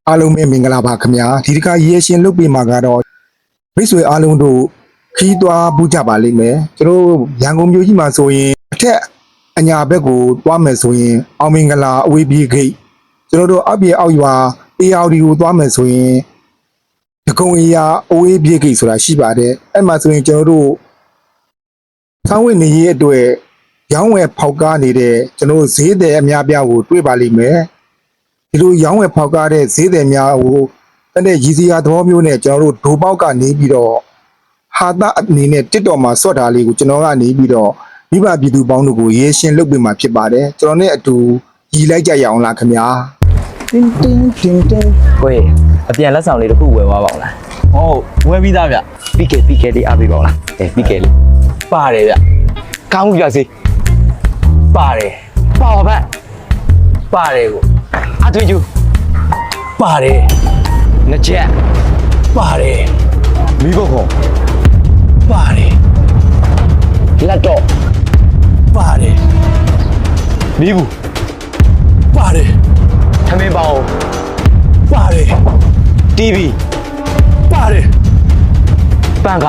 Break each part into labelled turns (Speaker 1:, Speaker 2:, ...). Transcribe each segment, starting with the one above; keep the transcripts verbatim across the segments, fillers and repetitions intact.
Speaker 1: အားလုံးပဲမင်္ဂလာပါခင်ဗျာဒီတစ်ခါရေရှင်လုတ်ပြီးမှာကတော့မိတ်ဆွေအားလုံးတို့ခီးသွားပူးကြပါလိမ့်မယ်ကျွန်တော်ရန်ကုန်မြို့ကြီးမှာဆိုရင်အထက်အညာဘက်ကိုသွားမယ်ဆိုရင်အောင်မင်္ဂလာအဝေးပြေးဂိတ်ကျွန်တော်တို့အပြေအောက်ရွာအေယာဒီကိုသွားမယ်ဆိုရင်ဒဂုံအေယာအဝေးပြေးဂိတ်ဆိုတာရှိပါတယ်အဲ့မှာဆိုရင်ကျွန်တော်တို့ဆောင်းဝင်နေရေးအတွက်ရောင်းဝယ်ဖောက်ကားနေတဲ့ကျွန်တော်ဈေးတယ်အများပြားကိုတွေ့ပါလိမ့်မယ်ဒီလိုရောင်းဝယ်ဖောက်ကားတဲ့ဈေးတယ်များကိုအဲ့တဲ့ရည်စရာသဘောမျိုးနဲ့ကျွန်တော်တို့ဒိုပေါက်ကနေပြီးတော့ဟာတာအနေနဲ့တစ်တော်မှာစော့တာလေးကိုကျွန်တော်ကနေပြီးတော့မိဘပြည်သူပေါင်းတို့ကိုရေရှင်းလုပ်ပေးမှာဖြစ်ပါတယ်ကျွန်တော်နဲ့အတူရည်လိုက်ကြရအောင်လားခင်ဗျာတင်းတင်းတင်းတင်း
Speaker 2: ကိုယ်အပြန်လက်ဆောင်လေးတစ်ခုဝယ်သွားပါအောင်လား
Speaker 3: ဟုတ်ဝယ်ပြီးသားဗျ
Speaker 2: ပြီးကဲပြီးကဲလေးအားပေးပါအောင်လားအဲပြီးကဲလေးပါတယ်ဗျကောင်းပြစေပါတယ်ပါပါဗျပါတယ်ကိုအထွေးကျူပါတယ်နှစ်ချက်ပါတယ်
Speaker 3: မိဘခေါ်
Speaker 2: ပါတယ်လက်တော့ပါတယ်
Speaker 3: မိဘူး
Speaker 2: ပါတယ်ထမင်းပေါင်းပါတယ် တီဗီပါတယ်ပန်ကာ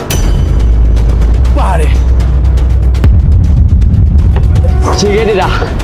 Speaker 2: ပါတယ်ခြေခဲတက်တာ